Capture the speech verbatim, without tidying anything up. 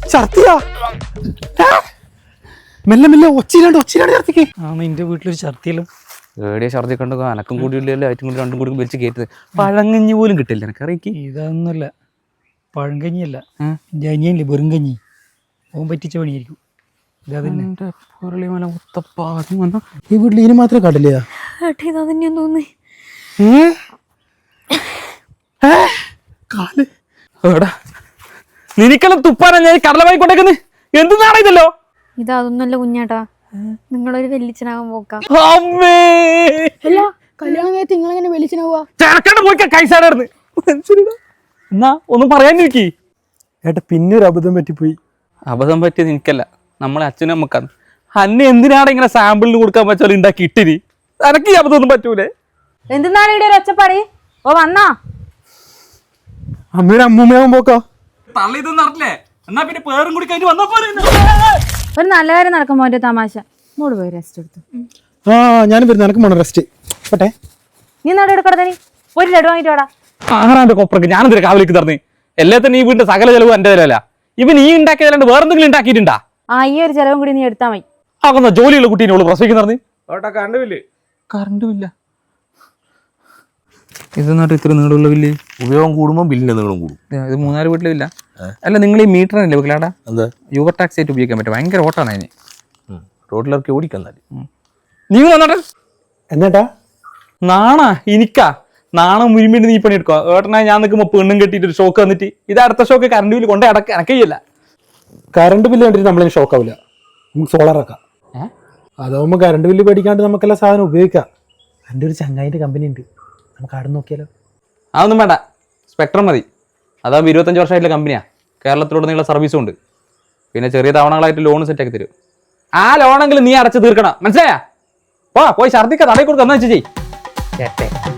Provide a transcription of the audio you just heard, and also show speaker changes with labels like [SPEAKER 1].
[SPEAKER 1] ഛർദിയാ? മെല്ലെ മെല്ലെ ഒച്ചിലാണ്ട് ഒച്ചിലാണ്ട് ഛർദിക്ക്.
[SPEAKER 2] ആ നിന്റെ വീട്ടിലൊരു ഛർദിയല്ലോ.
[SPEAKER 3] ഏടിയ ഛർദി കണ്ടു അനക്കും കൂടി ഇല്ലല്ലോ ആയിട്ടും കൂടി രണ്ടും കൂടി വലിച്ച് കയറ്റത്. പഴങ്കഞ്ഞി പോലും കിട്ടില്ല എനിക്ക് അറിയിക്ക്.
[SPEAKER 2] ഇതൊന്നുമല്ല, പഴങ്കഞ്ഞിയല്ല, ജനിയല്ലേ വെറും കഞ്ഞി. ഓൻ പറ്റിച്ച പണിയായിരിക്കും.
[SPEAKER 1] ഈ വീട്ടിൽ ഇതിന് മാത്രമേ കണ്ടില്ല.
[SPEAKER 3] നിനക്കെല്ലാം തുപ്പാനാ ഞാൻ കടലമായി കൊണ്ടേക്കുന്നത്. എന്ത് നാണയതല്ലോ
[SPEAKER 4] ഇതൊന്നല്ല കുഞ്ഞാട്ടാ, നിങ്ങളൊരു വെല്ലിച്ചനാകാൻ പോക്കാം.
[SPEAKER 5] അല്ല കല്യാണം കഴിച്ച് നിങ്ങളെങ്ങനെ വെളിച്ചനാവുക?
[SPEAKER 3] ചെറുക്കണ്ട പോയിക്കാ കൈസാടായിരുന്നു. എന്നാ ഒന്നും പറയാൻ നോക്കി.
[SPEAKER 1] ഏട്ടാ പിന്നെ ഒരു അബദ്ധം പറ്റിപ്പോയി.
[SPEAKER 3] അബദ്ധം പറ്റിയത് എനിക്കല്ല, നമ്മളെ അച്ഛനും അമ്മക്കാണ്. അന്നെ എന്തിനാണ് ഇങ്ങനെ സാമ്പിളിന് കൊടുക്കാൻ പറ്റാലും ഉണ്ടാക്കി ഇട്ടിരി. എനക്ക് ഈ അബദ്ധം ഒന്നും പറ്റൂലേ.
[SPEAKER 4] എന്തിനാണ് ഇവിടെ ഒരു ഒച്ചപ്പാടി? ഓ വന്നാ
[SPEAKER 1] അമ്മയുടെ അമ്മൂമ്മയാവും പോക്കോ.
[SPEAKER 3] തള്ളി ഇതൊന്നും അറിയില്ലേ? എന്നാ പിന്നെ പേരും കൂടി കഴിഞ്ഞ് വന്നപ്പോ
[SPEAKER 4] ഒരു നല്ല കാര്യം നടക്കുമ്പോ ഒരു തമാശ. ഇങ്ങോട്ട് പോയി റെസ്റ്റ് എടുത്തു.
[SPEAKER 1] ആ ഞാനും വരുന്നു, എനക്ക് വേണം റെസ്റ്റ്. പട്ടെ
[SPEAKER 4] നീ നട എടുക്കട, നീ ഒരു ലഡു വാങ്ങിട്ട് വാടാ.
[SPEAKER 3] ആറാന്റെ കൊപ്പറക്ക് ഞാനെന്തിനാ കാവലേക്ക് തറന്ന്? എല്ലാത്തിനും ഈ വീടിന്റെ സകല ചെലവും എന്റെ ചിലവല്ല. ഇവൻ ഈ ഉണ്ടാക്കിയതല്ലാണ്ട് വേറെന്തെങ്കിലും ഉണ്ടാക്കിയിട്ടുണ്ടാ?
[SPEAKER 4] ആ ഈ ഒരു ചെലവും കൂടി നീ എടുത്താ മതി.
[SPEAKER 3] ആകുന്ന ജോലിയുള്ള കുട്ടീനെ ഉള്ളു പ്രസവിക്കുന്ന
[SPEAKER 1] കറണ്ട് ബില്ല്.
[SPEAKER 3] കറണ്ട് ബില്ല ഇതെന്നാട്ട് ഇത്ര നീളമുള്ള ബില്ല്.
[SPEAKER 6] ഉപയോഗം കൂടുമ്പോൾ ബില്ലിന്റെ നീളം കൂടും.
[SPEAKER 3] ഇത് മൂന്നാല് വീട്ടിലും ഇല്ല. അല്ല നിങ്ങൾ ഈ മീറ്ററിനല്ലേ വെക്കലാടാ?
[SPEAKER 6] എന്താ
[SPEAKER 3] യൂബർ ടാക്സി ആയിട്ട് ഉപയോഗിക്കാൻ പറ്റും. ഭയങ്കര ഓട്ടാണ് അതിന്.
[SPEAKER 6] റോഡിലിറക്കി ഓടിക്കന്നാല്
[SPEAKER 3] നീ വന്നോട്ടെ.
[SPEAKER 1] എന്നിട്ടാ
[SPEAKER 3] നാണാ എനിക്കാ നാണം മുരിമ്പേണ്ടി നീ പണി എടുക്കുക. ഏട്ടനാ ഞാൻ നിൽക്കുമ്പോ പെണ്ണും കെട്ടിയിട്ട് ഒരു ഷോക്ക് വന്നിട്ട് ഇത് അടുത്ത ഷോക്ക് കറണ്ട് ബില്ല് കൊണ്ടേ അടക്ക എനക്കയ്യല്ല.
[SPEAKER 1] കറണ്ട് ബില്ല് കണ്ടിട്ട് നമ്മളിന് ഷോക്ക് ആവില്ല. നമുക്ക് സോളാറാക്കാം. അതാവുമ്പോൾ കറണ്ട് ബില്ല് പേടിക്കാണ്ട് നമുക്കെല്ലാ സാധനം ഉപയോഗിക്കാം. എൻ്റെ ഒരു ചങ്ങായിൻ്റെ കമ്പനി ഉണ്ട്, നമുക്ക് അവിടെ നോക്കിയാലോ?
[SPEAKER 3] അതൊന്നും വേണ്ട, സ്പെക്ട്രം മതി. അതാകുമ്പോൾ ഇരുപത്തഞ്ച് വർഷമായിട്ടുള്ള കമ്പനിയാ. കേരളത്തിലുടനീളം സർവീസും ഉണ്ട്. പിന്നെ ചെറിയ തവണകളായിട്ട് ലോൺ സെറ്റാക്കി തരും. ആ ലോണെങ്കിലും നീ അടച്ച് തീർക്കണം, മനസ്സിലായാ? പോ പോയി ഛർദിക്ക തടയി കൊടുക്കുക എന്നാ വെച്ച് ചെയ്യ്.